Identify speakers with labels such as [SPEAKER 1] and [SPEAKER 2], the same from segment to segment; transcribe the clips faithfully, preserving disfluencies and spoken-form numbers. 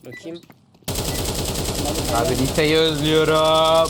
[SPEAKER 1] Bakayım.
[SPEAKER 2] Abi Nita'yı özlüyorum.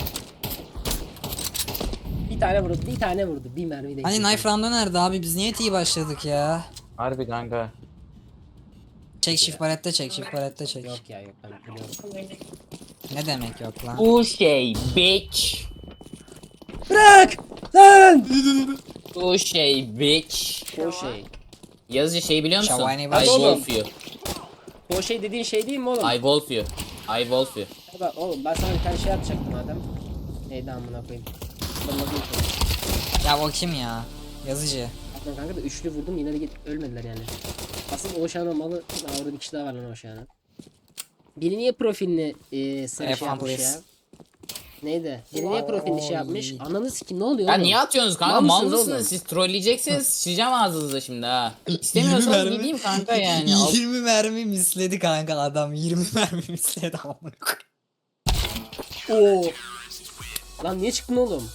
[SPEAKER 1] Bir tane vurdu, bir tane vurdu. Bir mermi de.
[SPEAKER 3] Hani knife round'u nerede abi? Biz niye iyi başladık ya?
[SPEAKER 2] Harbi kanka.
[SPEAKER 3] Çek shift barrette çek, shift barrette çek.
[SPEAKER 1] Yok ya yok ben biliyorum.
[SPEAKER 3] Ne demek yok lan?
[SPEAKER 2] Bu şey bitch.
[SPEAKER 1] Bırak! Lan!
[SPEAKER 2] Bu şey bitch.
[SPEAKER 1] O şey.
[SPEAKER 2] Yazıcı şey biliyor musun?
[SPEAKER 3] Şavani
[SPEAKER 2] I
[SPEAKER 3] baş-
[SPEAKER 2] wolf you.
[SPEAKER 1] O şey dediğin şey değil mi oğlum?
[SPEAKER 2] I wolf you. I wolf you.
[SPEAKER 1] Bak oğlum ben sana bir tane şey yapacaktım madem. Neydi amına koyayım. Ben bakayım sana.
[SPEAKER 3] Ya o kim ya? Yazıcı.
[SPEAKER 1] Aslında kanka da üçlü vurdum yine de git ölmediler yani. Asıl o şahane malı. Aa, orada bir kişi daha var lan o şahane. Biri niye profilini e, sarı
[SPEAKER 3] F
[SPEAKER 1] şey
[SPEAKER 3] one
[SPEAKER 1] yapmış ya?
[SPEAKER 3] please.
[SPEAKER 1] Neydi? Biri niye profilini şey yapmış? Ananı sikim ne oluyor
[SPEAKER 2] Ya
[SPEAKER 1] oğlum?
[SPEAKER 2] niye atıyorsunuz kanka?
[SPEAKER 1] Mal
[SPEAKER 2] Mal
[SPEAKER 1] mısınız
[SPEAKER 2] mısınız
[SPEAKER 1] oğlum?
[SPEAKER 2] siz? Trolleyeceksiniz. Sıçacağım ağzınıza şimdi ha. İstemiyorsanız
[SPEAKER 3] mermi.
[SPEAKER 2] gideyim kanka yani. Al-
[SPEAKER 3] yirmi mermi misledi kanka adam. yirmi mermi misledi amına koyayım.
[SPEAKER 1] Oo. Lan niye çıktın oğlum?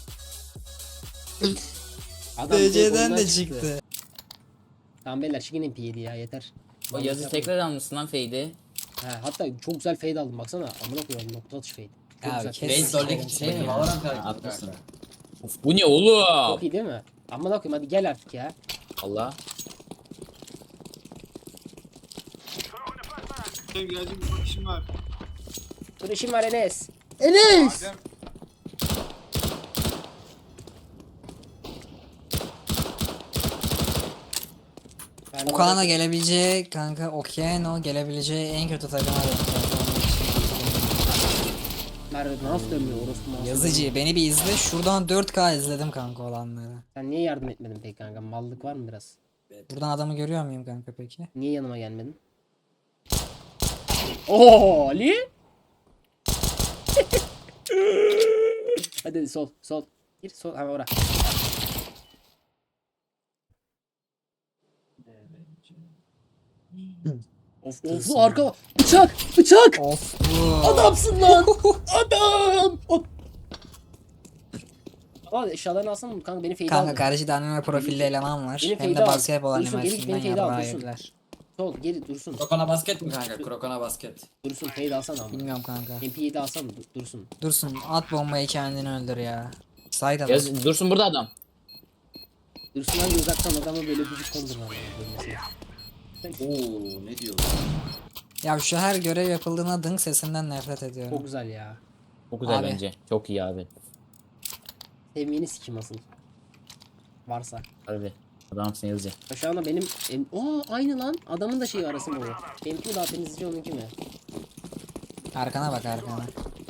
[SPEAKER 1] Adam direkt
[SPEAKER 3] D C'den
[SPEAKER 1] oyundan
[SPEAKER 3] de çıktı.
[SPEAKER 1] Tamam beyler çıkın M P yedi ya yeter.
[SPEAKER 2] O yazı tekrar almışsın lan Fade'i.
[SPEAKER 1] Ha, hatta çok güzel fade aldım baksana. Amına koyalım nokta atış fade. Çok
[SPEAKER 3] Abi
[SPEAKER 1] güzel
[SPEAKER 3] kes.
[SPEAKER 1] fade.
[SPEAKER 3] Fade
[SPEAKER 2] Şey mi?
[SPEAKER 4] Valorant
[SPEAKER 2] Ha,
[SPEAKER 4] karakteri
[SPEAKER 2] atmışsın.
[SPEAKER 4] kanka.
[SPEAKER 2] Of bu ne oğlum?
[SPEAKER 1] Çok iyi değil mi? Amına koyayım hadi gel artık ya.
[SPEAKER 2] Allah.
[SPEAKER 5] Benim gelecek bir bakışım var.
[SPEAKER 1] Dur işim var Enes. Enes!
[SPEAKER 5] Adem
[SPEAKER 1] Ben
[SPEAKER 3] Okan'a da
[SPEAKER 1] orada-
[SPEAKER 3] gelebileceği kanka Okeano gelebileceği en kötü takıma denk
[SPEAKER 1] Merve nasıl dönmüyor orospu masum.
[SPEAKER 3] Yazıcı beni bir izle. Şuradan dört K izledim kanka olanları.
[SPEAKER 1] Sen niye yardım etmedin peki kanka? Mallık var mı biraz?
[SPEAKER 3] Buradan adamı görüyor muyum kanka peki?
[SPEAKER 1] Niye yanıma gelmedin? Oo Ali! Hadi hadi sol sol. Gir sol hemen ora. Of of arka bıçak bıçak
[SPEAKER 3] Of bu.
[SPEAKER 1] adamsın lan adam. Hop. Aa eşyalarını alsana mı kanka beni feyde
[SPEAKER 3] Kanka
[SPEAKER 1] aldı.
[SPEAKER 3] karşıda anime profilli eleman var.
[SPEAKER 1] Benim
[SPEAKER 3] Hem
[SPEAKER 1] feyde
[SPEAKER 3] de
[SPEAKER 1] al.
[SPEAKER 3] basketbol
[SPEAKER 1] Dursun, gelip
[SPEAKER 3] animesinden
[SPEAKER 1] beni feyde al,
[SPEAKER 3] yarrağı
[SPEAKER 1] dursun.
[SPEAKER 3] yediler.
[SPEAKER 1] Sol geri dursun
[SPEAKER 4] Krokona basket mi kanka? Krokona basket.
[SPEAKER 1] dursun feyde alsana ama.
[SPEAKER 3] Bilmiyorum kanka.
[SPEAKER 1] M P yedi alsana dur- dursun.
[SPEAKER 3] Dursun at bombayı kendini öldür ya. Sayda bak.
[SPEAKER 2] Yaz dursun burada adam.
[SPEAKER 1] Dursun hangi uzaktan adamı böyle büyük kondurma.
[SPEAKER 4] Oo ne diyor?
[SPEAKER 3] Ya şu her görev yapıldığına dınk sesinden nefret
[SPEAKER 1] Çok
[SPEAKER 3] ediyorum.
[SPEAKER 1] güzel ya.
[SPEAKER 2] Çok güzel
[SPEAKER 3] Abi.
[SPEAKER 2] bence. Çok iyi abi.
[SPEAKER 1] Sevmeyeni sikim asıl. Varsa.
[SPEAKER 2] Harbi. Adamsın yazıcı.
[SPEAKER 1] Ya Şu anda benim em, Oo aynı lan. Adamın da şeyi arası mı bu? Benimki mi daha temizleyici onunki mi?
[SPEAKER 3] Arkana bak arkana.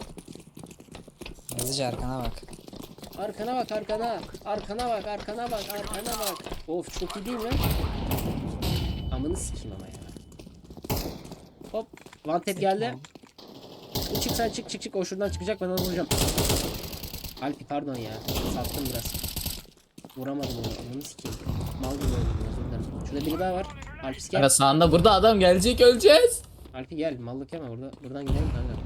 [SPEAKER 3] Yazıcı arkana bak.
[SPEAKER 1] Arkana bak arkana. Arkana bak arkana bak arkana bak. Of çok iyi değil mi? Amını sikeyim ama ya. Hop. One tap geldi. Çık sen çık çık çık. O şuradan çıkacak ben onu vuracağım. Alpi pardon ya. Sattım biraz. Vuramadım onu. Amını sikeyim. Mal gibi oldum. Özür dilerim. Şurada biri daha var. Alpi gel.
[SPEAKER 2] Kanka sağında burada adam gelecek öleceğiz.
[SPEAKER 1] Alpi gel. Mallık yeme. Burada, buradan gidelim kanka.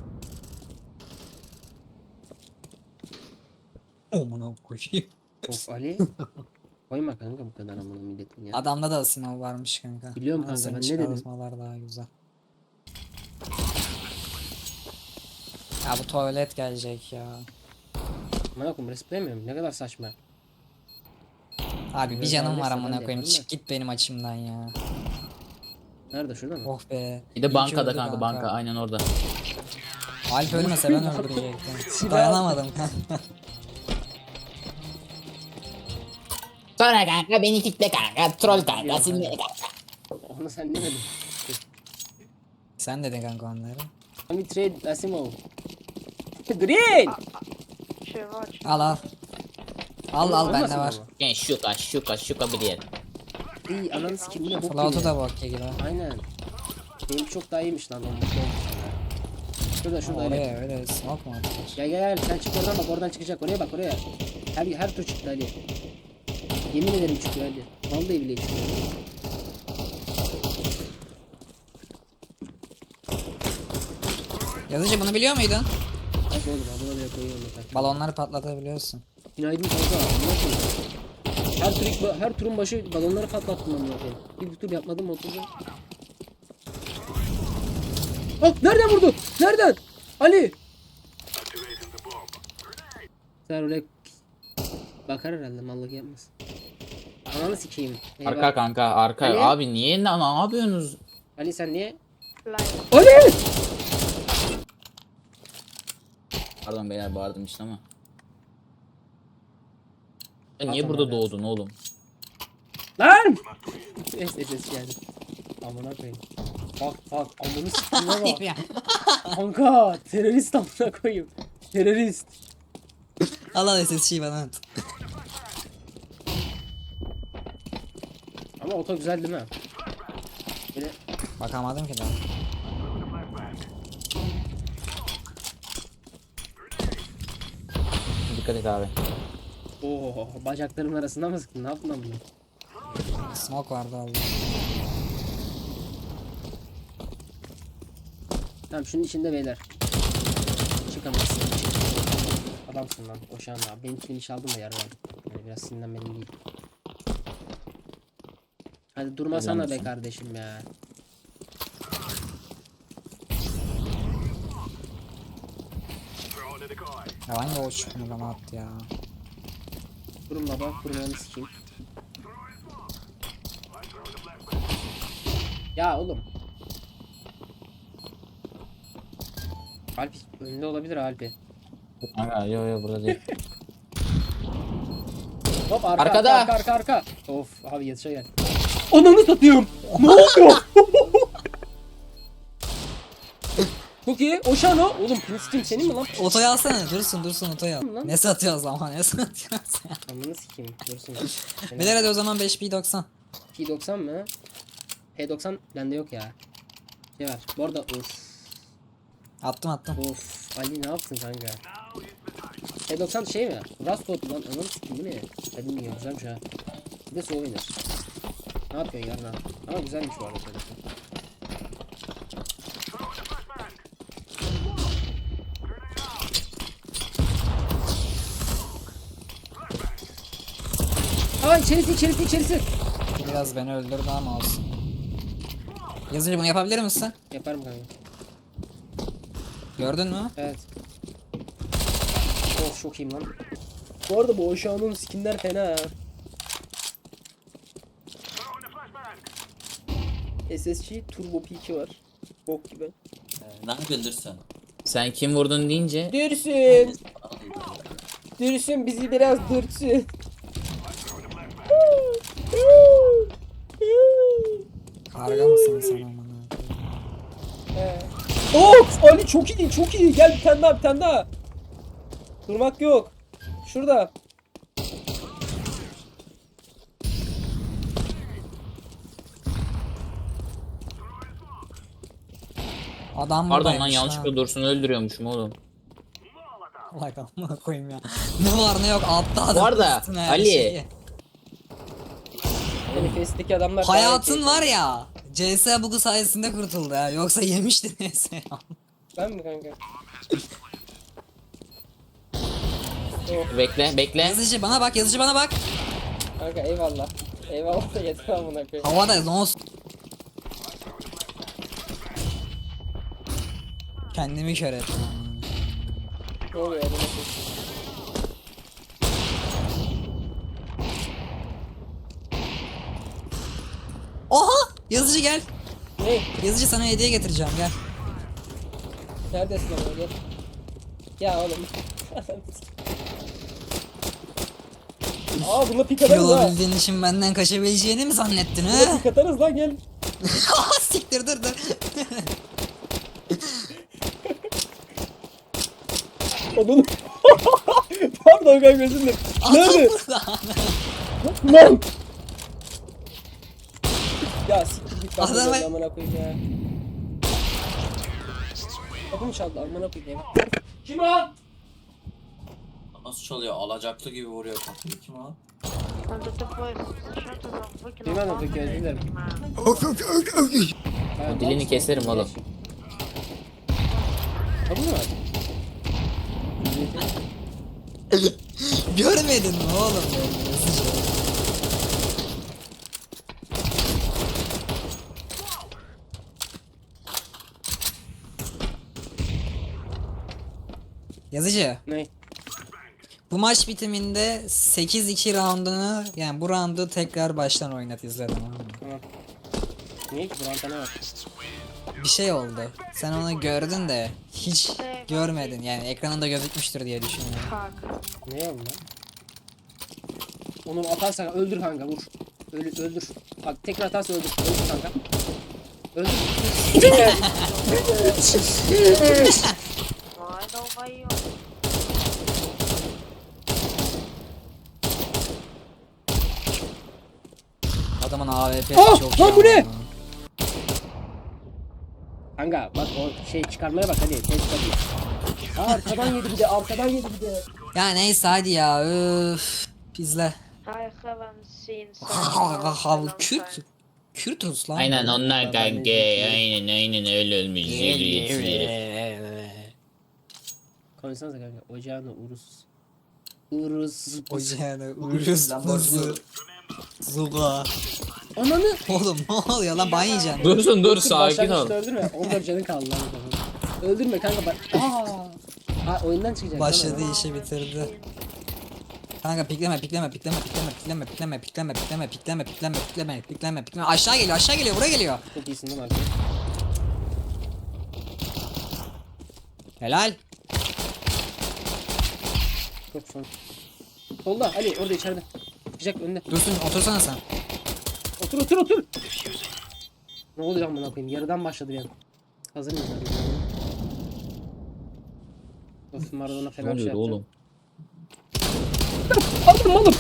[SPEAKER 3] Amına koyayım.
[SPEAKER 1] Of Ali. Koyma kanka bu kadar amına milletin ya.
[SPEAKER 3] Adamda da sınav varmış kanka.
[SPEAKER 1] Biliyorum
[SPEAKER 3] Ama
[SPEAKER 1] kanka,
[SPEAKER 3] senin
[SPEAKER 1] ben ne dedim?
[SPEAKER 3] çıkartmalar daha güzel. Ya bu tuvalet gelecek ya.
[SPEAKER 1] Amına koyayım resplemiyorum. Ne kadar saçma.
[SPEAKER 3] Abi bir
[SPEAKER 1] Biraz
[SPEAKER 3] canım
[SPEAKER 1] daha
[SPEAKER 3] var
[SPEAKER 1] neyse,
[SPEAKER 3] amına
[SPEAKER 1] ben de
[SPEAKER 3] koyayım.
[SPEAKER 1] yaparım
[SPEAKER 3] Çık git benim açımdan ya.
[SPEAKER 1] Nerede şurada mı?
[SPEAKER 3] Oh be.
[SPEAKER 2] Bir de
[SPEAKER 3] İyi ki
[SPEAKER 2] bankada
[SPEAKER 3] öldü
[SPEAKER 2] kanka banka aynen orada.
[SPEAKER 3] Alp ölmese ben öldürecektim. Dayanamadım kanka.
[SPEAKER 2] Sonra kanka beni kitle kanka. Troll kanka. Sinirli kanka.
[SPEAKER 1] Onu sen demedin.
[SPEAKER 3] Sen dedin kanka onları.
[SPEAKER 1] Let me trade Asimov. Green!
[SPEAKER 3] Al al. Al al bende
[SPEAKER 1] Olmasın
[SPEAKER 3] var.
[SPEAKER 1] ama.
[SPEAKER 2] Yani şuka şuka şuka bir yer.
[SPEAKER 1] İyi ananı sikeyim bu ne bok
[SPEAKER 3] Float'u
[SPEAKER 1] gibi.
[SPEAKER 3] da bok gibi.
[SPEAKER 1] Aynen. Benimki çok daha iyiymiş lan. Onun mutlu olmuş ya. Şurada şurada Ali.
[SPEAKER 3] Oraya öyle smoke mu atılır?
[SPEAKER 1] Gel gel gel sen çık oradan bak oradan çıkacak oraya bak oraya. Her her tur çıktı Ali. Yemin ederim çıkıyor Ali. Vallahi bile çıkıyor.
[SPEAKER 3] Yazıcı bunu biliyor muydun?
[SPEAKER 1] Bak oğlum adına bile koyuyorum bak.
[SPEAKER 3] Balonları patlatabiliyorsun.
[SPEAKER 1] Günaydın kanka. amına koyayım. Her tur her turun başı balonları patlattım amına koyayım. Bir tur yapmadım mı oturdum. Bak nereden vurdu? Nereden? Ali. Sen oraya bakar herhalde, mallık yapmaz. Ananı sikeyim. Eyvah.
[SPEAKER 2] Arka kanka arka.
[SPEAKER 1] Ali?
[SPEAKER 2] Abi niye ne, ne yapıyorsunuz?
[SPEAKER 1] Ali sen niye? Ali!
[SPEAKER 2] Pardon beyler bağırdım işte ama. Ya niye
[SPEAKER 1] Atam
[SPEAKER 2] burada
[SPEAKER 1] abi.
[SPEAKER 2] doğdun oğlum?
[SPEAKER 1] Lan! Neyse ses geldi. Amına koyayım. Bak bak amını sikeyim
[SPEAKER 3] Hayır
[SPEAKER 1] ama.
[SPEAKER 3] ya.
[SPEAKER 1] Kanka terörist amına koyayım. Terörist.
[SPEAKER 3] Allah S S C'yi bana at.
[SPEAKER 1] Ama oto güzel değil mi? Böyle
[SPEAKER 3] Bakamadım ki daha.
[SPEAKER 2] Dikkat et abi.
[SPEAKER 1] Oo, bacaklarımın arasında mı sıktın? Ne yaptın lan bunu?
[SPEAKER 3] Smoke vardı Allah.
[SPEAKER 1] Tamam şunun içinde beyler. Çıkamazsın. Adamsın lan. Oşan abi. Benim finish aldım da yarın. Yani biraz sinirlenmedim değil. Hadi durmasana be
[SPEAKER 2] Adamsın.
[SPEAKER 1] kardeşim ya.
[SPEAKER 3] Ya hangi o çıkmıyor bana attı ya.
[SPEAKER 1] Durun baba. Kurbanı sikeyim. Ya oğlum. Alp önünde olabilir Alp'i.
[SPEAKER 2] Kanka yo yo burada değil.
[SPEAKER 1] Hop arka
[SPEAKER 2] Arkada.
[SPEAKER 1] arka arka arka arka. Of abi yetişe gel. Ananı satayım. Ne oluyor? Çok iyi. Oşan o. Oğlum Princeton senin mi lan?
[SPEAKER 3] Otoyu alsana dursun dursun otoyu al.
[SPEAKER 1] Lan.
[SPEAKER 3] Ne satıyoruz ama ne satıyoruz ya.
[SPEAKER 1] Ananı sikeyim. Dursun.
[SPEAKER 3] Beyler hadi o zaman beş P doksan.
[SPEAKER 1] P doksan mı? P doksan bende yok ya. Şey var. Bu arada of.
[SPEAKER 3] Attım attım.
[SPEAKER 1] Of. Ali ne yaptın kanka? P doksan şey mi? Rust lan. Ananı sikeyim değil mi? Dedim mi ya güzelmiş ha. Bir de soğuk iner. Ne yapıyorsun yarına? Ama güzelmiş bu arada. P doksan. Aa içerisi içerisi içerisi.
[SPEAKER 3] Biraz beni öldürdü ama olsun. Yazıcı bunu yapabilir misin?
[SPEAKER 1] Yaparım kanka.
[SPEAKER 3] Gördün mü?
[SPEAKER 1] Evet. Of çok iyiyim lan. Bu arada bu Oşan'ın skinler fena ha. S S G Turbo P iki var. Bok gibi.
[SPEAKER 4] Ee, ne yapıyorsun sen?
[SPEAKER 2] Sen kim vurdun deyince
[SPEAKER 1] Dürsün. Dürsün bizi biraz dürtsün.
[SPEAKER 3] Karga mısın sen amına?
[SPEAKER 1] Of Ali çok iyi çok iyi. Gel bir tane daha bir tane daha. Durmak yok. Şurada.
[SPEAKER 3] Adam
[SPEAKER 2] pardon lan
[SPEAKER 3] buradaymış
[SPEAKER 2] yanlışlıkla Dursun'u öldürüyormuşum oğlum.
[SPEAKER 3] Allah amına koyayım ya. Ne var ne yok altta adam.
[SPEAKER 2] Bu arada,
[SPEAKER 3] üstüne her
[SPEAKER 2] Ali.
[SPEAKER 3] şeyi.
[SPEAKER 1] Manifest'teki adamlar
[SPEAKER 3] Hayatın var ya. C S bug'u sayesinde kurtuldu ya. Yoksa yemişti neyse ya.
[SPEAKER 1] Ben mi kanka?
[SPEAKER 2] Bekle bekle.
[SPEAKER 3] Yazıcı bana bak yazıcı bana bak.
[SPEAKER 1] Kanka eyvallah. Eyvallah da yeter amına koyayım.
[SPEAKER 3] Havada ne olsun. Kendimi kör ettim.
[SPEAKER 1] Ne oluyor adamı?
[SPEAKER 3] Oha! Yazıcı gel.
[SPEAKER 1] Ne?
[SPEAKER 3] Yazıcı sana hediye getireceğim gel.
[SPEAKER 1] Neredesin ama gel. Ya oğlum. Aa bununla pik
[SPEAKER 3] Kil
[SPEAKER 1] atarız ha.
[SPEAKER 3] olabildiğin için benden kaçabileceğini mi zannettin
[SPEAKER 1] Bununla
[SPEAKER 3] ha?
[SPEAKER 1] pik atarız lan gel.
[SPEAKER 3] Siktir dur dur.
[SPEAKER 1] Odun. Pardon kanka özür dilerim.
[SPEAKER 3] Adam
[SPEAKER 1] Nerede?
[SPEAKER 3] burada.
[SPEAKER 1] Lan. Ya siktir git lan.
[SPEAKER 3] Adama-
[SPEAKER 1] Amına koyayım ya. Kapımı çaldı amına koyayım. Kim o?
[SPEAKER 4] Nasıl çalıyor? Alacaklı gibi vuruyor kapıyı. Kim o?
[SPEAKER 1] Bilmem ne peki özür dilerim.
[SPEAKER 2] O dilini keserim oğlum.
[SPEAKER 1] Kapı mı var?
[SPEAKER 3] Görmedin mi oğlum beni yazıcı? Yazıcı.
[SPEAKER 1] Ne?
[SPEAKER 3] Bu maç bitiminde sekiz iki roundunu yani bu roundu tekrar baştan oynat izledim.
[SPEAKER 1] Tamam. Niye ki? Buranın ne var?
[SPEAKER 3] Bir şey oldu. Sen onu gördün de hiç görmedin. Yani ekranında gözükmüştür diye düşünüyorum.
[SPEAKER 1] Ne oldu lan? Onu atarsan öldür kanka vur. Öl, öldür. Bak tekrar atarsa öldür. Öldür kanka. Öldür.
[SPEAKER 3] Adamın A W P'si
[SPEAKER 1] Ah,
[SPEAKER 3] çok
[SPEAKER 1] lan bu ne?
[SPEAKER 3] iyi.
[SPEAKER 1] Kanka bak o şey çıkarmaya bak hadi. Test hadi. Aa, arkadan yedi bir de arkadan yedi bir de.
[SPEAKER 3] Ya neyse hadi ya. Öf. İzle.
[SPEAKER 6] I haven't seen
[SPEAKER 3] Hav Kürt. Kürtüz lan.
[SPEAKER 2] Aynen onlar
[SPEAKER 1] Ben
[SPEAKER 2] kanka.
[SPEAKER 1] de-
[SPEAKER 2] Aynen aynen öyle ölmüş.
[SPEAKER 1] Konuşsanıza kanka. Ocağına urus. Urus.
[SPEAKER 3] Ocağına uruz buzu. Zuga.
[SPEAKER 1] Ananı.
[SPEAKER 3] Oğlum ne oluyor lan ban yiyeceksin.
[SPEAKER 2] Dursun dur
[SPEAKER 1] Dur,
[SPEAKER 2] sakin ol.
[SPEAKER 1] başlangıçta öldürme. on dört canın kaldı lan. Öldürme kanka bak. Aa. Ha oyundan çıkacak.
[SPEAKER 3] Başladı
[SPEAKER 1] tamam.
[SPEAKER 3] işi bitirdi. Kanka pikleme pikleme pikleme pikleme pikleme pikleme pikleme pikleme pikleme pikleme pikleme pikleme pikleme aşağı geliyor aşağı geliyor buraya geliyor.
[SPEAKER 1] Çok iyisin değil mi arkadaş?
[SPEAKER 3] Helal.
[SPEAKER 1] Çok son. Solda Ali orada içeride. Çıkacak önünde.
[SPEAKER 3] Dursun otursana sen.
[SPEAKER 1] Otur otur otur. Ne oluyor lan buna koyayım? Yarıdan başladı bir an. Hazır mıyız abi? Of Maradona
[SPEAKER 2] Ne
[SPEAKER 1] falan bir şey
[SPEAKER 2] oluyor
[SPEAKER 1] yapacağım.
[SPEAKER 2] oğlum?
[SPEAKER 1] Aldım aldım.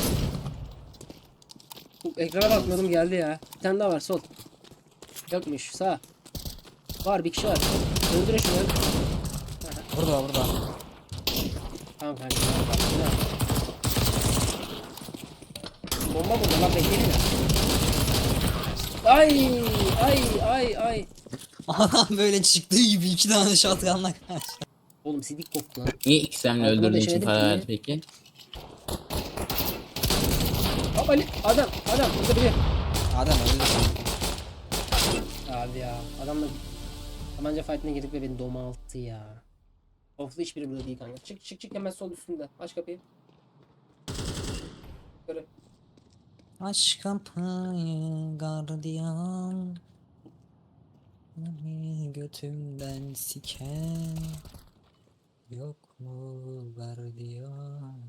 [SPEAKER 1] Ekrana bakmadım geldi ya. Bir tane daha var sol. Yokmuş sağ. Var bir kişi var. Öldürün şunu.
[SPEAKER 3] Burada burada.
[SPEAKER 1] Tamam kanka. Bomba burada lan bekleyin ya. Ay ay ay ay.
[SPEAKER 3] Adam böyle çıktığı gibi iki tane shotgunla kaçtı.
[SPEAKER 1] Oğlum sidik koktu lan.
[SPEAKER 2] Niye iksemle
[SPEAKER 1] Arkada
[SPEAKER 2] öldürdüğün için
[SPEAKER 1] deşemedim
[SPEAKER 2] para
[SPEAKER 1] ki.
[SPEAKER 2] verdi peki?
[SPEAKER 1] Hop Ali adam adam burada biri.
[SPEAKER 3] Adam öldü.
[SPEAKER 1] Abi ya adamla tabanca fight'ine girdik ve beni domalttı ya. Oflu hiçbiri burada değil kanka. Çık çık çık hemen sol üstünde. Aç kapıyı. Böyle.
[SPEAKER 3] Aç kapıyı gardiyan. Beni götümden siken. Yok mu gardiyan?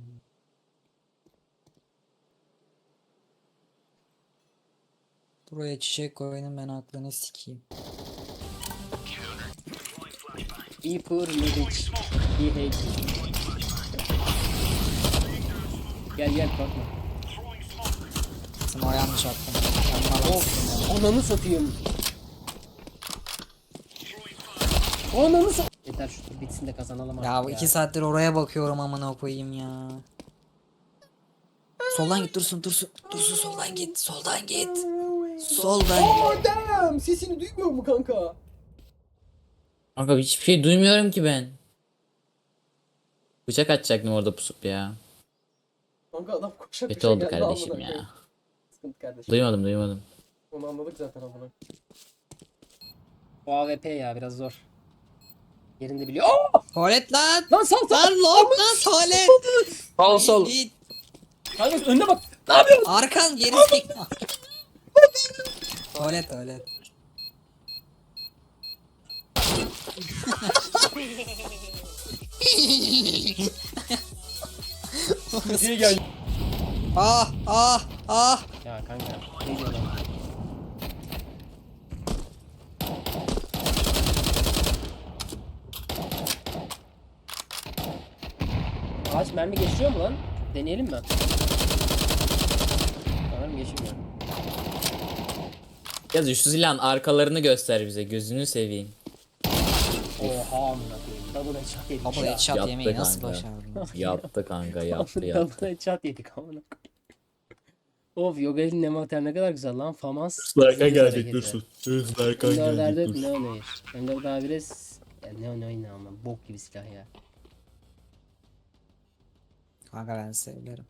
[SPEAKER 3] Buraya çiçek koyun ben aklını sikeyim.
[SPEAKER 1] Be poor live rich. Be hate. Gel gel korkma.
[SPEAKER 3] Smor yanlış attım. Yanıma
[SPEAKER 1] Of ananı satayım. Ananı sa- Yeter şu tur bitsin de kazanalım
[SPEAKER 3] Ya bu
[SPEAKER 1] artık
[SPEAKER 3] iki saattir oraya bakıyorum amına koyayım ya. Soldan git Dursun Dursun. Dursun soldan git. Soldan git. Soldan git.
[SPEAKER 1] Oh damn! Sesini duymuyor mu kanka?
[SPEAKER 2] Kanka hiçbir şey duymuyorum ki ben. Bıçak atacaktım orada pusup ya.
[SPEAKER 1] Kanka adam koşa
[SPEAKER 2] Kötü
[SPEAKER 1] koşa
[SPEAKER 2] oldu
[SPEAKER 1] geldi
[SPEAKER 2] kardeşim
[SPEAKER 1] amına koyayım.
[SPEAKER 2] ya.
[SPEAKER 1] Sıkıntı kardeşim.
[SPEAKER 2] Duymadım duymadım.
[SPEAKER 1] Onu anladık zaten amına. O A W P ya biraz zor. Yerinde biliyor. Aa!
[SPEAKER 3] Tuvalet lan.
[SPEAKER 1] Lan sal sal.
[SPEAKER 3] Lan lok lan tuvalet.
[SPEAKER 2] Sol sol.
[SPEAKER 3] Git.
[SPEAKER 1] Kanka önüne bak. Ne yapıyorsun?
[SPEAKER 3] Arkan geri sik. Tuvalet tuvalet.
[SPEAKER 1] Diye gel.
[SPEAKER 3] Ah ah ah.
[SPEAKER 1] Ya kanka. Ne diyor lan? Ağaç mermi geçiyor mu lan? Deneyelim mi? Sanırım geçmiyor.
[SPEAKER 2] Yaz şu silahın arkalarını göster bize gözünü seveyim.
[SPEAKER 1] Oha amına koyayım. Double headshot yedik
[SPEAKER 3] Double
[SPEAKER 1] ya.
[SPEAKER 3] headshot
[SPEAKER 2] Yattı
[SPEAKER 3] yemeği nasıl
[SPEAKER 2] kanka.
[SPEAKER 3] başardın?
[SPEAKER 2] Yattı kanka yattı yattı.
[SPEAKER 1] Double headshot yedik amına koyayım. Of Yogal'in nemater ne kadar güzel lan. Famas.
[SPEAKER 2] Slarka
[SPEAKER 1] gelecek,
[SPEAKER 2] gelecek
[SPEAKER 1] dursun.
[SPEAKER 2] dursun. Slarka
[SPEAKER 1] Önderderde ne oynayır? Önder daha biraz ya ne oynayın ama bok gibi silah ya.
[SPEAKER 3] Kanka ben severim.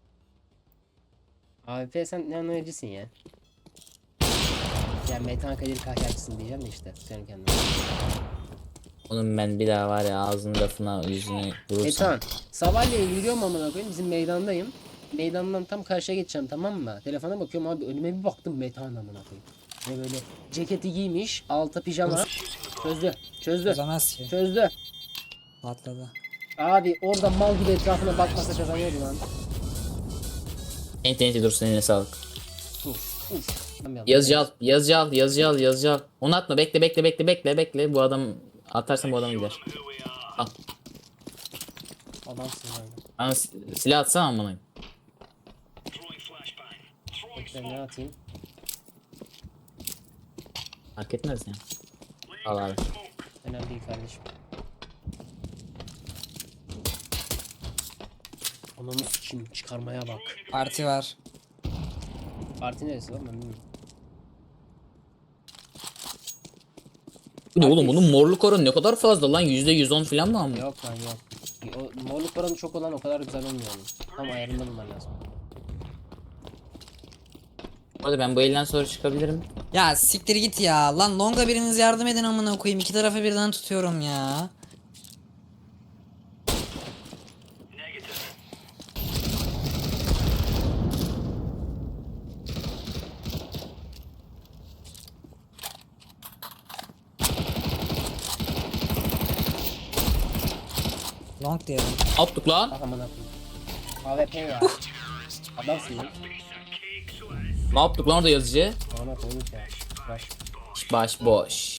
[SPEAKER 1] A W P sen ne oynayıcısın ya? Ya Metan Kadir kahyacısın diyeceğim de işte. Sen kendine.
[SPEAKER 2] Onun ben bir daha var ya ağzını lafına yüzünü vurursam.
[SPEAKER 1] Metan. Sabahleyin yürüyorum amına koyayım. Bizim meydandayım. Meydandan tam karşıya geçeceğim, tamam mı? Telefona bakıyorum abi, önüme bir baktım Metan amına koyayım. Ve böyle ceketi giymiş, alta pijama. Çözdü. Çözdü.
[SPEAKER 3] Çözemez ki.
[SPEAKER 1] Çözdü.
[SPEAKER 3] Patladı.
[SPEAKER 1] Abi orada mal gibi etrafına bakmasa kazanıyordu lan.
[SPEAKER 2] Enti enti dursun eline sağlık.
[SPEAKER 1] Uf uf.
[SPEAKER 2] Yazıcı al, yazıcı al, yazıcı al, yazıcı al. Onu atma, bekle bekle bekle bekle bekle. Bu adam atarsan bu adam gider. Al.
[SPEAKER 1] Adamsın yani.
[SPEAKER 2] Ama si- silah atsana amına.
[SPEAKER 1] Bekle, ne atayım?
[SPEAKER 2] Fark etmez ya. Al abi.
[SPEAKER 1] Önemli değil kardeşim. Ananı sikeyim, çıkarmaya bak.
[SPEAKER 3] Parti var.
[SPEAKER 1] Parti neresi lan, ben bilmiyorum.
[SPEAKER 2] Bu ne oğlum, bunun morluk oranı ne kadar fazla lan, yüzde yüz on falan mı ama?
[SPEAKER 1] Yok lan yok. O morluk oranı çok olan o kadar güzel olmuyor onun. Tam ayarında bulman lazım.
[SPEAKER 2] Bu arada ben bu elden sonra çıkabilirim.
[SPEAKER 3] Ya siktir git ya. Lan longa biriniz yardım edin amına koyayım. İki tarafı birden tutuyorum ya. Long diyelim.
[SPEAKER 2] Attık lan.
[SPEAKER 1] Ah aman akıyım. A W P ya. Adamsın lan.
[SPEAKER 2] Ne yaptık lan orada yazıcı?
[SPEAKER 1] Aman akıyım ya. Baş.
[SPEAKER 2] Baş boş.